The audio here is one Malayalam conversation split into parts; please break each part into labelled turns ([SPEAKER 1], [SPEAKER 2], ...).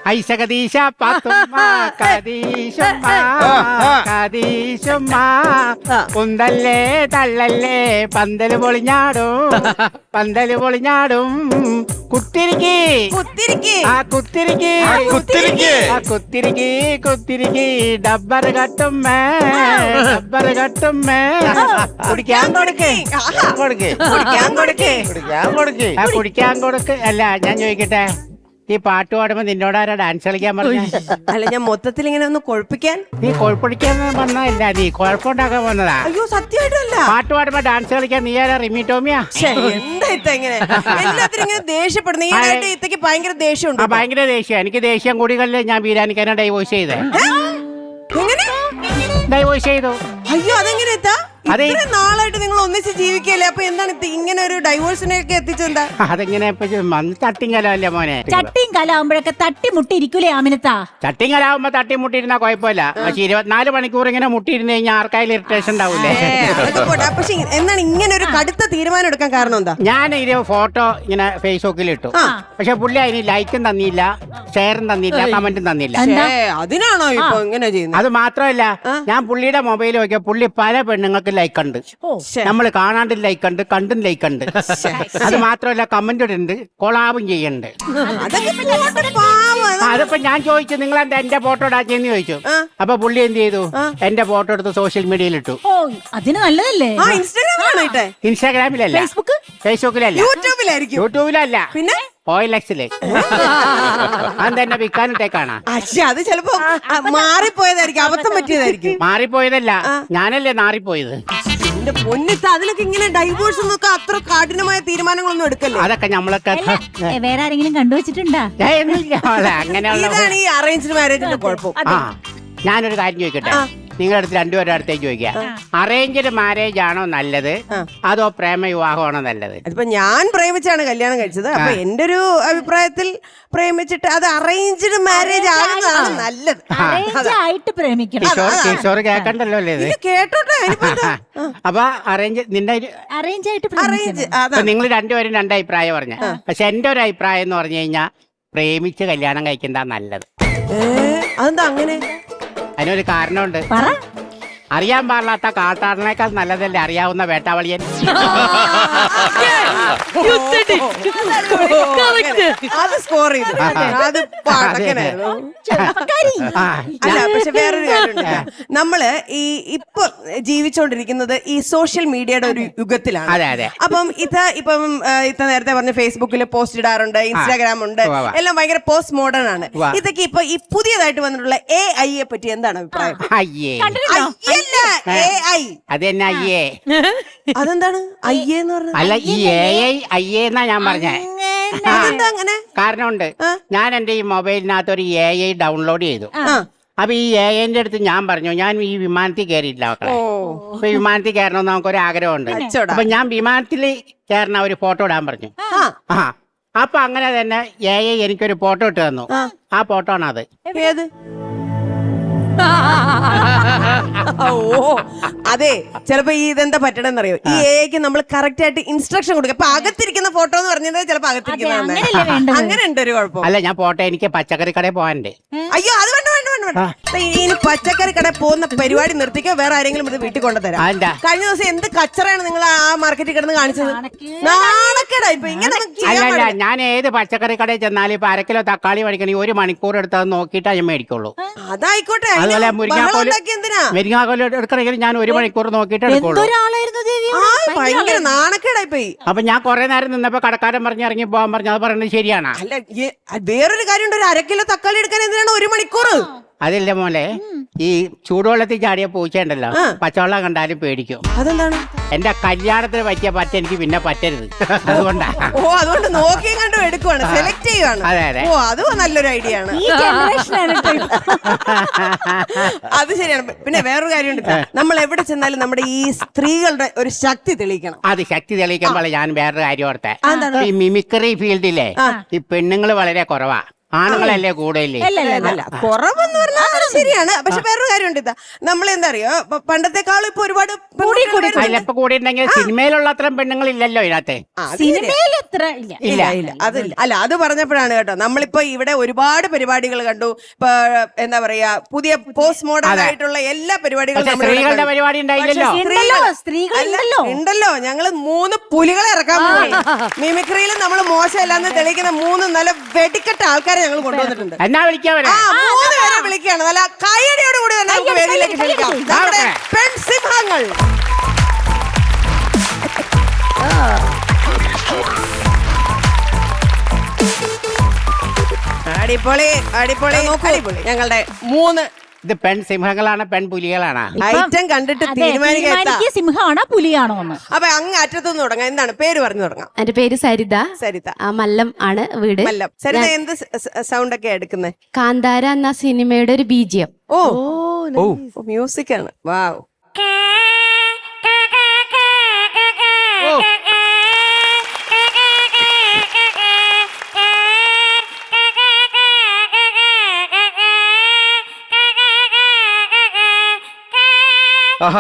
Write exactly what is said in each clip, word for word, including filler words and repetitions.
[SPEAKER 1] ഐശകദീശ പാത്തുമ്മ കദീശുമ്മ കദീശുമ്മ കുന്തല്ലേ തള്ളല്ലേ പന്തല് പൊളിഞ്ഞാടും പന്തല് പൊളിഞ്ഞാടും കുത്തിരിക്കി
[SPEAKER 2] കുത്തിരിക്കി
[SPEAKER 1] ആ കുത്തിരിക്കി
[SPEAKER 3] കുത്തിരിക്ക്
[SPEAKER 1] ആ കുത്തിരിക്കി കുത്തിരിക്കി ഡബ്ബർ കട്ടുമ്മേ ഡബ്ബർ കട്ടുമ്മേ കുടിക്കാൻ കൊടുക്ക് കൊടുക്ക്
[SPEAKER 2] കുടിക്കാൻ കൊടുക്ക്
[SPEAKER 3] കുടിക്കാൻ കൊടുക്ക്
[SPEAKER 1] ആ കുടിക്കാൻ കൊടുക്ക് അല്ല ഞാൻ ചോദിക്കട്ടെ ഈ പാട്ട് പാടുമ്പോ നിന്നോടാരാ ഡാൻസ് കളിക്കാൻ പറഞ്ഞ
[SPEAKER 2] അല്ല ഞാൻ മൊത്തത്തിൽ ഇങ്ങനെ ഒന്ന് കൊഴപ്പിക്കാൻ
[SPEAKER 1] നീ കുഴപ്പടിക്കാൻ വന്നതല്ല നീ കുഴപ്പമുണ്ടാക്കാൻ വന്നതാ
[SPEAKER 2] അയ്യോ സത്യമായിട്ടല്ല
[SPEAKER 1] പാട്ട് പാടുമ്പോ ഡാൻസ് കളിക്കാൻ നീ ആരാ റിമി ടോമിയാ
[SPEAKER 2] ശ്ശെ, എന്താ ഇത്ത ഇങ്ങനെ എല്ലാത്തിനും ഇങ്ങനെ ദേഷ്യപ്പെടുന്നു ഈ ഇടയായിട്ട് ഇത്തക്ക് ഭയങ്കര ദേഷ്യമുണ്ട്
[SPEAKER 1] ആ ഭയങ്കര ദേഷ്യം എനിക്ക് ദേഷ്യം കൂടികളിൽ ഞാൻ ബീരാനിക്കാനെ ഡൈവോഴ്സ് ചെയ്തേ
[SPEAKER 2] എങ്ങനെ
[SPEAKER 1] ഡൈവോഴ്സ് ചെയ്തു
[SPEAKER 2] അയ്യോ അതെങ്ങനെ എത്താ
[SPEAKER 1] അതെ.
[SPEAKER 2] ഇത്രയും നാളായിട്ട് നിങ്ങൾ ഒന്നിച്ച് ജീവിക്കല്ലേ അപ്പൊ എന്താണ് ഇത് ഇങ്ങനെ ഒരു ഡൈവോഴ്സിനെയൊക്കെ എത്തിച്ചെന്താ
[SPEAKER 1] അതെങ്ങനെ ഇപ്പൊ തട്ടിങ്കലല്ലേ മോനെ
[SPEAKER 4] ചട്ടിയും കലാവുമ്പോഴൊക്കെ തട്ടിമുട്ടി ഇരിക്കൂലേ ആമിനത്താ
[SPEAKER 1] ചട്ടിങ്കലാവുമ്പോ തട്ടി മുട്ടിയിരുന്നാ കുഴപ്പമില്ല പക്ഷെ ഇരുപത്തിനാല് മണിക്കൂർ ഇങ്ങനെ മുട്ടിയിരുന്ന് കഴിഞ്ഞാൽ ആർക്കായാലും ഇറിറ്റേഷൻ ഉണ്ടാവൂലേ
[SPEAKER 2] പക്ഷെ എന്താണ് ഇങ്ങനെ ഒരു കടുത്ത തീരുമാനം എടുക്കാൻ കാരണം എന്താ
[SPEAKER 1] ഞാൻ ഇത് ഫോട്ടോ ഇങ്ങനെ ഫേസ്ബുക്കിൽ ഇട്ടു പക്ഷെ പുള്ളി അതിന് ലൈക്കും തന്നില്ല ഷെയറും തന്നില്ല കമന്റും തന്നില്ല
[SPEAKER 2] ശ്ശേ, അതിനാണോ ഇപ്പൊ ഇങ്ങനെ ചെയ്യുന്നത്
[SPEAKER 1] അത് മാത്രമല്ല ഞാൻ പുള്ളിയുടെ മൊബൈൽ നോക്കിയ പുള്ളി പല പെണ്ണുങ്ങൾക്ക് ലൈക്ക് ഉണ്ട് നമ്മൾ കാണാണ്ട് ലൈക്ക് ഉണ്ട് കണ്ടും ലൈക്ക് ഉണ്ട് അത് മാത്രമല്ല കമന്റ് ഇടുന്നുണ്ട് കൊളാബും ചെയ്യുന്നുണ്ട്
[SPEAKER 2] അതൊക്കെ പോട്ടെ, പാവം. അത്
[SPEAKER 1] അതിപ്പോ ഞാൻ ചോദിച്ചു നിങ്ങൾ എന്താ എന്റെ ഫോട്ടോ ഇടാച്ചെന്ന് ചോദിച്ചു അപ്പൊ പുള്ളി എന്ത് ചെയ്തു എന്റെ ഫോട്ടോ എടുത്ത് സോഷ്യൽ മീഡിയയിൽ ഇട്ടു
[SPEAKER 4] ഓ അതിന് നല്ലതല്ലേ
[SPEAKER 2] ആ ഇൻസ്റ്റാഗ്രാമിലാണോ ഇട്ടെ
[SPEAKER 1] ഇൻസ്റ്റാഗ്രാമിലല്ല
[SPEAKER 4] ഫേസ്ബുക്ക്
[SPEAKER 1] ഫേസ്ബുക്കിലല്ല
[SPEAKER 2] യൂട്യൂബിലായിരിക്കും
[SPEAKER 1] യൂട്യൂബിലല്ല
[SPEAKER 2] പിന്നെ
[SPEAKER 1] ഓയിലക്സില് അതെന്നെ വിൽക്കാനിട്ടേക്കാണ്
[SPEAKER 2] പക്ഷെ അത് ചിലപ്പോ ആ, മാറിപ്പോയതായിരിക്കും അബദ്ധം പറ്റിയതായിരിക്കും
[SPEAKER 1] മാറിപ്പോയതല്ല ഞാനല്ലേ നാറിപ്പോയത്
[SPEAKER 2] എന്റെ പൊന്നിത്ത അതിലൊക്കെ ഇങ്ങനെ ഡൈവോഴ്സ് എന്നൊക്കെ അത്ര കഠിനമായ തീരുമാനങ്ങളൊന്നും എടുക്കല്ലേ
[SPEAKER 1] അതൊക്കെ നമ്മളൊക്കെ
[SPEAKER 4] ഏ, വേറെ ആരെങ്കിലും കണ്ടുവച്ചിട്ടുണ്ടാ
[SPEAKER 1] ഏയ്, ഒന്നുമില്ല മോളെ, അങ്ങനെയുള്ള
[SPEAKER 2] ഇതാണ് ഈ അറേഞ്ച്ഡ് മാരേജിന്റെ കുഴപ്പം
[SPEAKER 1] ആ ഞാനൊരു കാര്യം ചോദിക്കട്ടെ നിങ്ങളുടെ അടുത്ത് രണ്ടുപേരുടെ അടുത്തേക്ക് ചോദിക്കാം അറേഞ്ച്ഡ് മാരേജ് ആണോ നല്ലത് അതോ പ്രേമ വിവാഹമാണോ നല്ലത്
[SPEAKER 2] അതിപ്പോ ഞാൻ പ്രേമിച്ചാണ് കല്യാണം കഴിച്ചത് അപ്പൊ എന്റെ ഒരു അഭിപ്രായത്തിൽ പ്രേമിച്ചിട്ട് അത് അറേഞ്ച്ഡ് മാരേജ് ആകുന്നതാണ് നല്ലത്
[SPEAKER 4] Arrange ആയിട്ട് പ്രേമിക്കണം
[SPEAKER 1] കിഷോർ കിഷോർ കേക്കണ്ടല്ലോ അല്ലേ ഇത്
[SPEAKER 2] ഇത് കേട്ടോട്ടെ ഇനിയിപ്പോ എന്താ?
[SPEAKER 1] അപ്പൊ അറേഞ്ച് നിന്റെ
[SPEAKER 4] അറേഞ്ച് ആയിട്ട്
[SPEAKER 2] അറേഞ്ച്
[SPEAKER 4] പ്രേമിക്കണം
[SPEAKER 2] അതാ
[SPEAKER 1] നിങ്ങൾ രണ്ടുപേരും രണ്ട് അഭിപ്രായം പറഞ്ഞ പക്ഷെ എന്റെ ഒരു അഭിപ്രായം എന്ന് പറഞ്ഞു കഴിഞ്ഞാൽ പ്രേമിച്ച് കല്യാണം കഴിക്കുന്നതാ നല്ലത്
[SPEAKER 2] ഏ, അതെന്താ അങ്ങനെ
[SPEAKER 1] അതിനൊരു കാരണമുണ്ട്
[SPEAKER 4] പറ
[SPEAKER 1] അറിയാൻ പാടില്ലാത്ത കാട്ടാടനേക്കാൾ നല്ലതല്ലേ അറിയാവുന്ന വേട്ടാവളിയൻ
[SPEAKER 2] അത് സ്കോർ ചെയ്തു അത് പടക്കനായിരുന്നു.
[SPEAKER 1] ആ,
[SPEAKER 2] അല്ല പക്ഷെ വേറൊരു കാര്യമുണ്ട് നമ്മള് ഈ ഇപ്പൊ ജീവിച്ചോണ്ടിരിക്കുന്നത് ഈ സോഷ്യൽ മീഡിയയുടെ ഒരു യുഗത്തിലാണ്
[SPEAKER 1] അതെ അതെ
[SPEAKER 2] അപ്പം ഇത്ത ഇപ്പം ആ, ഇത്ത നേരത്തെ പറഞ്ഞ ഫേസ്ബുക്കിൽ പോസ്റ്റ് ഇടാറുണ്ട് ഇൻസ്റ്റാഗ്രാം ഉണ്ട്
[SPEAKER 1] ഉവ്വ, ഉവ്വ.
[SPEAKER 2] എല്ലാം ഭയങ്കര പോസ്റ്റ് മോഡേൺ ആണ്
[SPEAKER 1] ഉവ്വ.
[SPEAKER 2] ഇതൊക്കെ ഇപ്പൊ ഈ പുതിയതായിട്ട് വന്നിട്ടുള്ള എ ഐയെ പറ്റി എന്താണ് അഭിപ്രായം
[SPEAKER 1] അയ്യേ
[SPEAKER 2] അയ്യല്ല എ ഐ
[SPEAKER 1] അത് തന്നെ അയ്യേ
[SPEAKER 2] അതെന്താണ് അയ്യേ എന്ന് പറഞ്ഞത്
[SPEAKER 1] അല്ല ഈ എ ഐ അയ്യേ എന്നാ ഞാൻ പറഞ്ഞേ
[SPEAKER 2] അതെന്താ അങ്ങനെ
[SPEAKER 1] കാരണമുണ്ട് ഞാൻ എന്റെ ഈ മൊബൈലിനകത്ത് ഒരു എ ഐ ഡൗൺലോഡ് ചെയ്തു
[SPEAKER 2] ആ
[SPEAKER 1] അപ്പൊ ഈ എ ഐന്റെ അടുത്ത് ഞാൻ പറഞ്ഞു ഞാൻ ഈ വിമാനത്തിൽ കയറിയില്ല മക്കളെ അപ്പൊ ഈ വിമാനത്തിൽ കയറണമെന്ന് നമുക്കൊരു ആഗ്രഹമുണ്ട്
[SPEAKER 2] അച്ചോടാ.
[SPEAKER 1] അപ്പൊ ഞാൻ വിമാനത്തിൽ കയറണ ഒരു ഫോട്ടോ ഇടാൻ പറഞ്ഞു
[SPEAKER 2] ആ
[SPEAKER 1] ആ അപ്പൊ അങ്ങനെ തന്നെ എ ഐ എനിക്കൊരു ഫോട്ടോ ഇട്ട് തന്നു ആ ഫോട്ടോ ആണ് അത്
[SPEAKER 2] ഏത് ഓ അതെ ചിലപ്പോ ഈ ഇതെന്താ പറ്റണെന്നറിയോ ഈ എക്ക് നമ്മൾ കറക്റ്റ് ആയിട്ട് ഇൻസ്ട്രക്ഷൻ കൊടുക്കുക അപ്പൊ അകത്തിരിക്കുന്ന ഫോട്ടോ എന്ന് പറഞ്ഞത് ചിലപ്പോ അകത്തിരിക്കുന്ന
[SPEAKER 4] അങ്ങനെയല്ലേ വേണ്ടത്.
[SPEAKER 2] അങ്ങനെ ഉണ്ട് ഒരു കുഴപ്പം
[SPEAKER 1] അല്ല ഞാൻ ഫോട്ടോ എനിക്ക് പച്ചക്കറി കടയിൽ പോകാനുണ്ട്
[SPEAKER 2] അയ്യോ അത് വേണ്ട വേണ്ട വേണ്ട വേണ്ട ദേ, ഇനി പച്ചക്കറി കടയിൽ പോകുന്ന പരിപാടി നിർത്തിക്കോ വേറെ ആരെങ്കിലും ഇത് വീട്ടിൽ കൊണ്ടുതരാം
[SPEAKER 1] അതെന്താ
[SPEAKER 2] കഴിഞ്ഞ ദിവസം എന്ത് കച്ചറയാണ് നിങ്ങൾ ആ മാർക്കറ്റിൽ കിടന്ന് കാണിച്ചത് നാണക്കേടാ ഇപ്പൊ ഇങ്ങനെ ഒന്നും ചെയ്യാൻ
[SPEAKER 1] അല്ലല്ല
[SPEAKER 2] പാടില്ല.
[SPEAKER 1] ഞാൻ ഏത് പച്ചക്കറി കടയിൽ ചെന്നാലും ഇപ്പൊ അരക്കിലോ തക്കാളി മേടിക്കണമെങ്കിൽ ഒരു മണിക്കൂർ എടുത്ത് അത് നോക്കിയിട്ടാ ഞാൻ മേടിക്കുള്ളൂ
[SPEAKER 2] അതായിക്കോട്ടെ
[SPEAKER 1] അതുപോലെ
[SPEAKER 2] അതിന് ബഹളം
[SPEAKER 1] മുരിങ്ങാക്കോല്
[SPEAKER 2] ഉണ്ടാക്കി എന്തിനാ
[SPEAKER 1] മുരിങ്ങാക്കോല് എടുക്കണമെങ്കിൽ ഞാൻ ഒരു മണിക്കൂർ നോക്കിയിട്ട് എടുക്കുള്ളൂ
[SPEAKER 4] എന്തൊരാളായിരുന്നു ദേവി
[SPEAKER 2] ആ ഭയങ്കര നാണക്കേടായി പോയി
[SPEAKER 1] അപ്പൊ ഞാൻ കുറെ നേരം നിന്നപ്പോ കടക്കാരൻ പറഞ്ഞ് ഇറങ്ങി പോകാൻ പറഞ്ഞു അത് പറയുന്നത് ശരിയാണ്
[SPEAKER 2] അല്ല ഈ വേറൊരു കാര്യമുണ്ട് ഒരു അര കിലോ തക്കാളി എടുക്കാൻ എന്തിനാണ് ഒരു മണിക്കൂർ
[SPEAKER 1] അതില്ല മോനെ ഈ ചൂടുവെള്ളത്തിൽ ചാടിയ പൂച്ചയുണ്ടല്ലോ പച്ചവെള്ളം കണ്ടാലും പേടിക്കും
[SPEAKER 2] അതെന്താണ്
[SPEAKER 1] എന്റെ കല്യാണത്തിന് പറ്റിയ പറ്റ എനിക്ക് പിന്നെ പറ്റരുത് അതുകൊണ്ടാ
[SPEAKER 2] ഓ അതുകൊണ്ട് നോക്കിയും കണ്ടും എടുക്കുവാണ് സെലക്ട് ചെയ്യുവാണ്
[SPEAKER 1] അതെ, അതെ.
[SPEAKER 2] ഓ അതും നല്ലൊരു ഐഡിയ ആണ്
[SPEAKER 4] ഈ ജനറേഷനാണ്
[SPEAKER 2] അത് ശരിയാണ് പിന്നെ വേറൊരു കാര്യമുണ്ട് നമ്മൾ എവിടെ ചെന്നാലും നമ്മുടെ ഈ സ്ത്രീകളുടെ ഒരു ശക്തി തെളിയിക്കണം
[SPEAKER 1] അത് ശക്തി തെളിയിക്കുമ്പോൾ ഞാൻ വേറൊരു കാര്യം ഓർത്തെ ഈ മിമിക്രി ഫീൽഡിലെ ഈ പെണ്ണുങ്ങൾ വളരെ കുറവാ ആണുങ്ങളല്ലേ കൂടുതലേ
[SPEAKER 2] അല്ല കുറവെന്ന് പറഞ്ഞാൽ അത് ശരിയാണ്. പക്ഷെ വേറൊരു കാര്യമുണ്ട്, ഇതാ നമ്മൾ എന്താ അറിയോ, പ- പണ്ടത്തെക്കാളും ഇപ്പൊ ഒരുപാട് പെൺകുട്ടികൾ വരുന്നുണ്ട്.
[SPEAKER 1] അതിലിപ്പോ കൂടിയിട്ടുണ്ടെങ്കിൽ സിനിമയിലുള്ള അത്രയും പെണ്ണുങ്ങൾ ഇല്ലല്ലോ ഇതിനകത്തെ.
[SPEAKER 2] ആ, അത് ശരിയാ.
[SPEAKER 4] സിനിമയിൽ എത്ര ഇല്ല
[SPEAKER 2] ഇല്ല ഇല്ല അതില്ല. അല്ല അത് പറഞ്ഞപ്പോഴാണ് കേട്ടോ, നമ്മളിപ്പോ ഇവിടെ ഒരുപാട് പരിപാടികൾ കണ്ടു. ഇപ്പൊ എന്താ പറയാ, പുതിയ പോസ്റ്റ് മോഡേൺ ആയിട്ടുള്ള എല്ലാ പരിപാടികളും
[SPEAKER 1] പക്ഷെ
[SPEAKER 2] നമ്മളിവിടെ
[SPEAKER 1] സ്ത്രീകളുടെ
[SPEAKER 2] കണ്ടു.
[SPEAKER 1] പരിപാടി ഉണ്ടായില്ലല്ലോ.
[SPEAKER 2] പക്ഷെ
[SPEAKER 4] ഉണ്ടല്ലോ,
[SPEAKER 2] സ്ത്രീകൾ-
[SPEAKER 4] സ്ത്രീകൾ
[SPEAKER 2] അല്ല,
[SPEAKER 4] ഉണ്ടല്ലോ.
[SPEAKER 2] ഉണ്ടല്ലോ. ഞങ്ങള് മൂന്ന് പുലികളെ ഇറക്കാൻ പോയി. മിമിക്രിയിൽ നമ്മൾ മോശമല്ലാന്ന് തെളിയിക്കുന്ന മൂന്ന് നല്ല വെടിക്കെട്ട ആൾക്കാരെ ഞങ്ങൾ കൊണ്ടുവന്നിട്ടുണ്ട്.
[SPEAKER 1] എന്നാ വിളിക്കാൻ വരാം.
[SPEAKER 2] ആ മൂന്ന് പേരെ വിളിക്കുകയാണ്. നല്ല കയ്യടിയോട് കൂടി തന്നെ നമുക്ക് വേദിയിലേക്ക് ക്ഷണിക്കാം. നമ്മുടെ പെൺസിംഹങ്ങൾ. അടിപൊളി അടിപൊളി അടിപൊളി. ഞങ്ങളുടെ മൂന്ന്
[SPEAKER 1] ഇത് പെൺ സിംഹങ്ങളാണ് പെൺ പുലികളാണ്.
[SPEAKER 2] ഐറ്റം കണ്ടിട്ട്
[SPEAKER 4] അതെ,
[SPEAKER 2] തീരുമാനിക്കാൻ.
[SPEAKER 4] തീരുമാനിക്കുക സിംഹമാണോ പുലിയാണോ എന്ന്.
[SPEAKER 2] അപ്പൊ അങ്ങ് അറ്റത്തുനിന്ന് തുടങ്ങാം. എന്താണ് പേര് പറഞ്ഞു തുടങ്ങാം?
[SPEAKER 5] എന്റെ പേര് സരിത.
[SPEAKER 2] സരിത.
[SPEAKER 5] ആ, മല്ലം ആണ് വീട്.
[SPEAKER 2] മല്ലം. സരിത എന്ത് സൗണ്ട് ഒക്കെ എടുക്കുന്നത്?
[SPEAKER 5] കാന്താര എന്ന സിനിമയുടെ ഒരു ബീജിയം.
[SPEAKER 2] ഓ മ്യൂസിക് ആണ്. വാവ്.
[SPEAKER 3] ആഹാ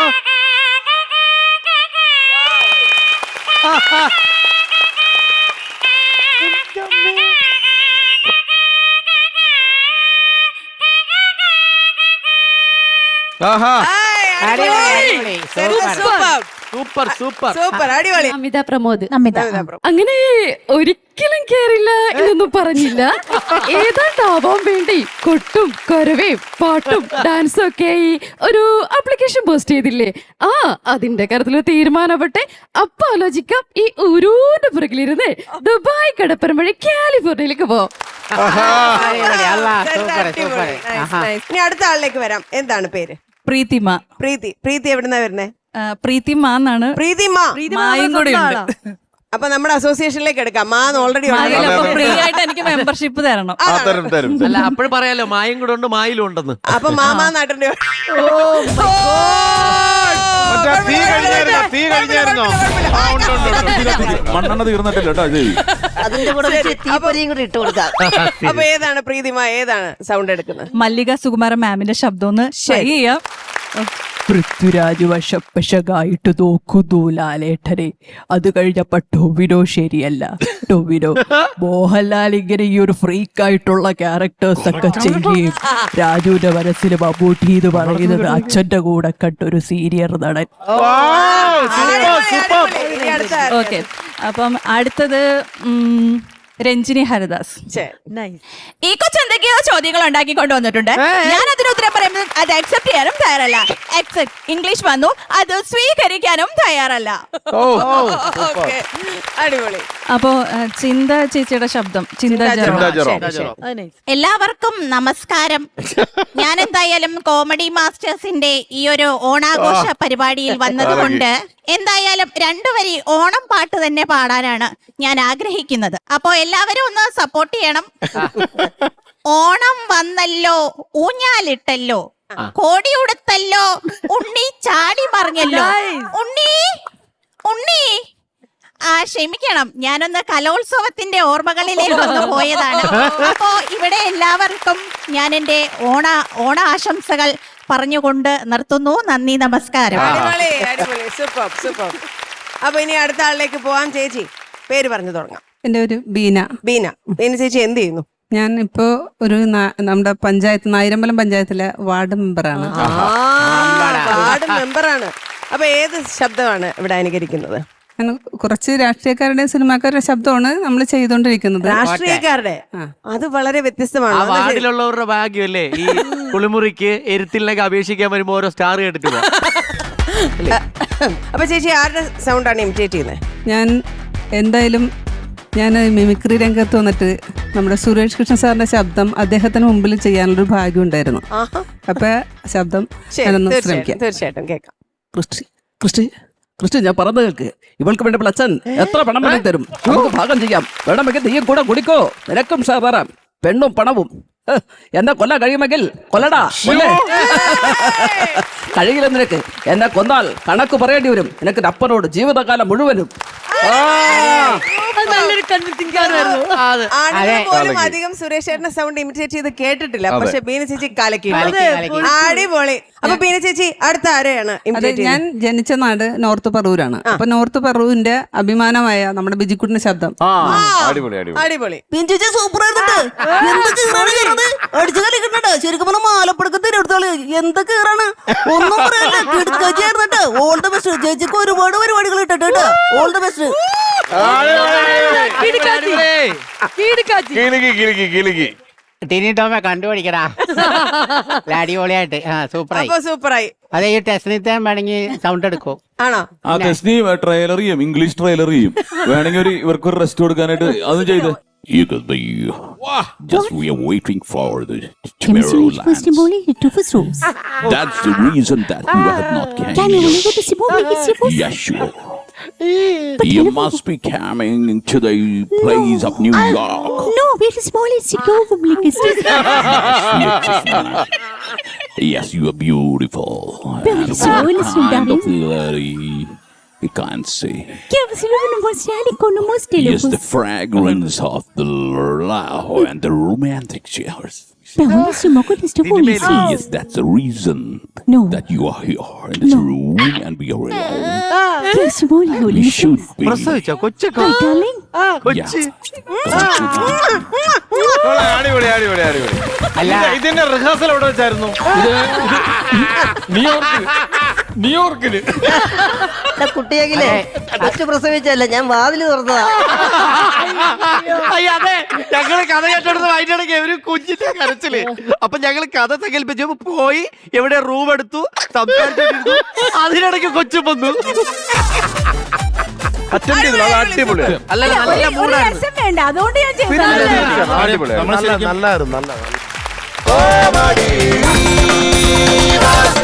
[SPEAKER 3] ആഹാ
[SPEAKER 1] അടിപൊളി, അടിപൊളി. സൂപ്പർ.
[SPEAKER 3] സൂപ്പർ സൂപ്പർ
[SPEAKER 2] സൂപ്പർ അടിപൊളി.
[SPEAKER 5] അമിത പ്രമോദ്.
[SPEAKER 4] നമിത
[SPEAKER 5] അങ്ങനെ ഒരിക്കലും കേറില്ല എന്നൊന്നും പറഞ്ഞില്ല. ഏതാണ്ടാവാൻ വേണ്ടി കൊട്ടും കൊരവയും പാട്ടും ഡാൻസും ഒക്കെ ആയി ഒരു ആപ്ലിക്കേഷൻ പോസ്റ്റ് ചെയ്തില്ലേ? ആ അതിന്റെ കാര്യത്തിൽ തീരുമാനപ്പെട്ടെ അപ്പൊ ആലോചിക്കാം. ഈ ഊരൂന്റെ പുറകിലിരുന്ന് ദുബായ് കടപ്പുറം വഴി കാലിഫോർണിയയിലേക്ക് പോ.
[SPEAKER 1] അടിപൊളി. അല്ലാ, സൂപ്പർ സൂപ്പർ.
[SPEAKER 2] Nice,
[SPEAKER 1] ആഹാ.
[SPEAKER 2] nice. ഇനി അടുത്ത ആളിലേക്ക് വരാം. എന്താണ് പേര്?
[SPEAKER 6] പ്രീതിമ.
[SPEAKER 2] പ്രീതി. പ്രീതി എവിടുന്നാ വരുന്നേ?
[SPEAKER 6] ആ, പ്രീതിമ എന്നാണ്.
[SPEAKER 2] പ്രീതിമ.
[SPEAKER 6] മായും കൂടി ഉണ്ട്.
[SPEAKER 2] അപ്പൊ നമ്മുടെ അസോസിയേഷനിലേക്ക് എടുക്കാം. മാന്ന് ഓൾറെഡി
[SPEAKER 6] ഫ്രീ ആയിട്ട് എനിക്ക് മെമ്പർഷിപ്പ് തരണം.
[SPEAKER 3] ആ തരും തരും തരും.
[SPEAKER 7] അല്ല അപ്പോഴും പറയാലോ മായും കൂടെ ഉണ്ട് മായിലും ഉണ്ടെന്ന്.
[SPEAKER 2] അപ്പൊ മാമാ നാട്ടിന്റെ
[SPEAKER 3] മറ്റേ തീ കഴിഞ്ഞായിരുന്നോ തീ കഴിഞ്ഞായിരുന്നോ ആ ഉണ്ട് ഉണ്ട് ഉണ്ട്
[SPEAKER 8] മണ്ണെണ്ണ തീർന്നിട്ടില്ല കേട്ടോ ഇത്.
[SPEAKER 9] അതിന്റെ കൂടെ വെച്ച് തീപ്പൊരിയും കൂടി ഇട്ട് കൊടുക്കാം.
[SPEAKER 2] അപ്പൊ ഏതാണ് പ്രീതിമ? ഏതാണ് സൗണ്ട് എടുക്കുന്നത്?
[SPEAKER 6] മല്ലിക സുകുമാരൻ മാമിന്റെ ശബ്ദം ഒന്ന് ട്രൈ ചെയ്യാം. പൃഥ്വിരാജ് വശപ്പശകായിട്ട് നോക്കുന്നു ലാലേട്ടനെ. അത് കഴിഞ്ഞപ്പോ ടൊവിനോ ശരിയല്ല. ടൊവിനോ മോഹൻലാൽ ഇങ്ങനെ ഈ ഒരു ഫ്രീക്കായിട്ടുള്ള ക്യാരക്ടേഴ്സ് ഒക്കെ ചെയ്യുകയും രാജുവിന്റെ മനസ്സിൽ മമ്മൂട്ടി എന്ന് പറയുന്നത് അച്ഛന്റെ കൂടെ കണ്ടൊരു സീനിയർ നടൻ.
[SPEAKER 2] ഇനി അടുത്ത
[SPEAKER 6] ഓക്കെ, അപ്പം അടുത്തത് ഉം, രഞ്ജിനി ഹരിദാസ്.
[SPEAKER 4] ഈ കൊച്ചെന്തൊക്കെയോ ചോദ്യങ്ങൾ ഉണ്ടാക്കി കൊണ്ടുവന്നിട്ടുണ്ട്. ഞാൻ അതിന് ഉത്തരം പറയുമ്പോൾ അത് അക്സെപ്റ്റ് ചെയ്യാനും തയ്യാറല്ല. അക്സെപ്റ്റ് ഇംഗ്ലീഷ് വന്നു, അത് സ്വീകരിക്കാനും തയ്യാറല്ല.
[SPEAKER 2] ഓക്കെ അടിപൊളി.
[SPEAKER 6] അപ്പോ ആ, ചിന്ത ചേച്ചിയുടെ ശബ്ദം. ചിന്ത
[SPEAKER 2] ചിന്ത
[SPEAKER 6] ജെറോം.
[SPEAKER 2] ജെറോം. ശരി.
[SPEAKER 4] എല്ലാവർക്കും നമസ്കാരം. ഞാൻ എന്തായാലും കോമഡി മാസ്റ്റേഴ്സിന്റെ ഈ ഒരു ഓണാഘോഷ പരിപാടിയിൽ വന്നതുകൊണ്ട് എന്തായാലും രണ്ടുവരി ഓണം പാട്ട് തന്നെ പാടാനാണ് ഞാൻ ആഗ്രഹിക്കുന്നത്. അപ്പോ എല്ലാവരും ഒന്ന് സപ്പോർട്ട് ചെയ്യണം. ഓണം വന്നല്ലോ, ഊഞ്ഞാലിട്ടല്ലോ, കോടി ഉടുത്തല്ലോ, ഉണ്ണി ചാടി പറഞ്ഞല്ലോ. ഉണ്ണി ഉണ്ണി ആ ക്ഷമിക്കണം, ഞാനൊന്ന് കലോത്സവത്തിന്റെ ഓർമ്മകളിലേക്ക് വന്നു പോയതാണ്. അപ്പോ ഇവിടെ എല്ലാവർക്കും ഞാൻ എന്റെ ഓണ ഓണ ആശംസകൾ പറഞ്ഞുകൊണ്ട് നിർത്തുന്നു. നന്ദി, നമസ്കാരം.
[SPEAKER 2] അടിപൊളി അടിപൊളി. Super super. അപ്പൊ ഇനി അടുത്ത ആളിലേക്ക് പോവാം. ചേച്ചി പേര് പറഞ്ഞു തുടങ്ങാം.
[SPEAKER 10] എൻ്റെ ഒരു ബീന.
[SPEAKER 2] ബീന. ബീന ചേച്ചി എന്ത് ചെയ്യുന്നു?
[SPEAKER 10] ഞാൻ ഇപ്പോ ഒരു നാ- നമ്മുടെ പഞ്ചായത്ത് നായിരമ്പലം പഞ്ചായത്തിലെ വാർഡ് മെമ്പറാണ്.
[SPEAKER 2] വാർഡ് മെമ്പറാണ്. അപ്പൊ ഏത് ശബ്ദമാണ് ഇവിടെ അനുകരിക്കുന്നത്?
[SPEAKER 10] ഞാൻ കുറച്ച് രാഷ്ട്രീയക്കാരുടെയും സിനിമാക്കാരുടെ ശബ്ദമാണ് നമ്മൾ ചെയ്തുകൊണ്ടിരിക്കുന്നത്.
[SPEAKER 2] രാഷ്ട്രീയക്കാരുടെ. അത് വളരെ
[SPEAKER 7] ആ
[SPEAKER 2] വ്യത്യസ്തമാണ്.
[SPEAKER 7] വാർഡിലുള്ളവരുടെ ഭാഗ്യമല്ലേ ഈ കുളിമുറിക്ക് എരുത്തിലേക്ക് അപേക്ഷിക്കാൻ വരുമ്പോ ഓരോ സ്റ്റാർ കേട്ടിട്ട് പോവാം.
[SPEAKER 2] അപ്പൊ ചേച്ചി ആരുടെ സൗണ്ടാണ് ഇമിറ്റേറ്റ് ചെയ്യുന്നത്?
[SPEAKER 10] ഞാൻ എന്തായാലും ഞാൻ മിമിക്രി രംഗത്ത് വന്നിട്ട് നമ്മുടെ സുരേഷ് കൃഷ്ണ സാറിന്റെ ശബ്ദം അദ്ദേഹത്തിന് മുമ്പിൽ ചെയ്യാനുള്ളൊരു ഭാഗ്യം ഉണ്ടായിരുന്നു. അപ്പൊ ശബ്ദം ഞാനൊന്ന് ശ്രമിക്കാം.
[SPEAKER 2] തീർച്ചയായിട്ടും കേൾക്കാം.
[SPEAKER 11] ക്രിസ്റ്റി ക്രിസ്റ്റി ക്രിസ്റ്റി ഞാൻ പറഞ്ഞു കേൾക്ക്. ഇവൾക്ക് വേണ്ടി അച്ഛൻ എത്ര പണം വേണ്ടി തരും, നമുക്ക് ഭാഗം ചെയ്യാം. വേണമെങ്കിൽ നീയും കൂടെ കുടിക്കോ, നിനക്കും ഷെയർ തരാം. പെണ്ണും പണവും. എന്നെ കൊല്ലാൻ കഴിയുമെങ്കിൽ കൊല്ലടാ. കഴിയില്ല നിനക്ക്. എന്നെ കൊന്നാൽ കണക്ക് പറയേണ്ടി വരും നിനക്ക് അപ്പനോട് ജീവിതകാലം മുഴുവനും.
[SPEAKER 9] നല്ലൊരു കൺവിൻസിംഗ്
[SPEAKER 2] ആണുങ്ങൾ പോലും അധികം സുരേഷ് ചേട്ടന്റെ സൗണ്ട് ഇമിറ്റേറ്റ് ചെയ്ത് കേട്ടിട്ടില്ല, പക്ഷെ ബീന ചേച്ചി കലക്കി.
[SPEAKER 1] കലക്കി, കലക്കി.
[SPEAKER 2] അടിപൊളി. അപ്പൊ ബീന ചേച്ചി അടുത്ത ആരെയാണ്
[SPEAKER 10] അതെ,
[SPEAKER 2] imitate
[SPEAKER 10] ഞാൻ
[SPEAKER 2] ചെയ്യുന്നത്?
[SPEAKER 10] ജനിച്ച നാട് നോർത്ത് പറവൂരാണ്. അപ്പൊ നോർത്ത് പറവൂരിന്റെ അഭിമാനമായ നമ്മുടെ ബിജിക്കുട്ടിന്റെ ശബ്ദം.
[SPEAKER 2] ആ,
[SPEAKER 3] അടിപൊളി അടിപൊളി
[SPEAKER 2] അടിപൊളി.
[SPEAKER 9] പിഞ്ചുച്ച സൂപ്പർ ആയിരുന്നുണ്ട്. എന്തൊക്കെ ഈറാണ് കയറുന്നത്? അടിച്ചു കളിക്കുന്നുണ്ട്. ശരിക്കും പറഞ്ഞാൽ മാലപ്പടക്കത്തിന് എടുത്തോളി എന്തൊക്കെ ഈറാണ്. ഒന്നും പറയല്ല, കിടക്കാച്ചിയായിരുന്നിട്ട്. All the best. ചേച്ചിക്ക് ഒരുപാട് പരിപാടികൾ ഇട്ടിട്ട് കേട്ടോ. All the best.
[SPEAKER 3] കിലുക്കി കിലുക്കി കിലുക്കി.
[SPEAKER 1] ടിനി ടോമെ കണ്ടുപിടിക്കടാ. അടിപൊളിയായിട്ട് ആ സൂപ്പറായി.
[SPEAKER 2] അപ്പൊ സൂപ്പറായി.
[SPEAKER 1] അതെ, ഈ ടെസ്റ്റിനത്തെ വേണമെങ്കിൽ സൗണ്ട് എടുക്കോ?
[SPEAKER 2] ആണോ?
[SPEAKER 8] ആ ടെസ്റ്റിനി ട്രെയിലർ ചെയ്യും, ഇംഗ്ലീഷ് ട്രെയിലർ ചെയ്യും. വേണമെങ്കിൽ ഒരു ഇവർക്ക് ഒരു റെസ്റ്റ് കൊടുക്കാനായിട്ട് അതും ചെയ്ത്. You could be just we are waiting for the Tomorrowland. That's the reason that you have not came. Yes, sure. You must be coming to the place of New York.
[SPEAKER 5] No, very small is
[SPEAKER 8] Yes, you are beautiful.
[SPEAKER 5] Very small is
[SPEAKER 8] Kind of very, you can't say. Yes, the fragrance of the love and the romantic showers. Yes, that's the reason that you are here in this room and we are alone. We should be.
[SPEAKER 7] പ്രസവിച്ചോ കൊച്ചൊക്കെ കൊച്ചി
[SPEAKER 3] അടിപൊളി അടിപൊളി അടിപൊളി.
[SPEAKER 1] അല്ല,
[SPEAKER 7] ഇതിന്റെ റിഹേഴ്സൽ എവിടെ വെച്ചായിരുന്നു?
[SPEAKER 8] ന്യൂയോർക്ക് ന്യൂയോർക്കില്
[SPEAKER 9] കുട്ടിയെങ്കിലേ കൊച്ചു പ്രസവിച്ചല്ല, ഞാൻ വാതില് തുറന്നതാ.
[SPEAKER 7] അയ്യ, അതെ, ഞങ്ങള് കഥ കേട്ടെടുത്ത് വൈകിട്ടിടയ്ക്ക് ഒരു കുഞ്ഞിന്റെ കരച്ചില്. അപ്പൊ ഞങ്ങള് കഥ സങ്കല്പിച്ചു പോയി, എവിടെ റൂം എടുത്തു, സംസാരിച്ചു. അതിനിടയ്ക്ക് കൊച്ചു വന്നു.
[SPEAKER 3] അറ്റൻഡ് ചെയ്തു. അത് അടിപൊളിയാണ്.
[SPEAKER 7] അല്ല, നല്ല മൂടായിരുന്നു.
[SPEAKER 4] വേണ്ട, അതുകൊണ്ട് ഞാൻ ചെയ്തു.
[SPEAKER 3] അടിപൊളിയാണ്. നല്ല നല്ലായിരുന്നു നല്ല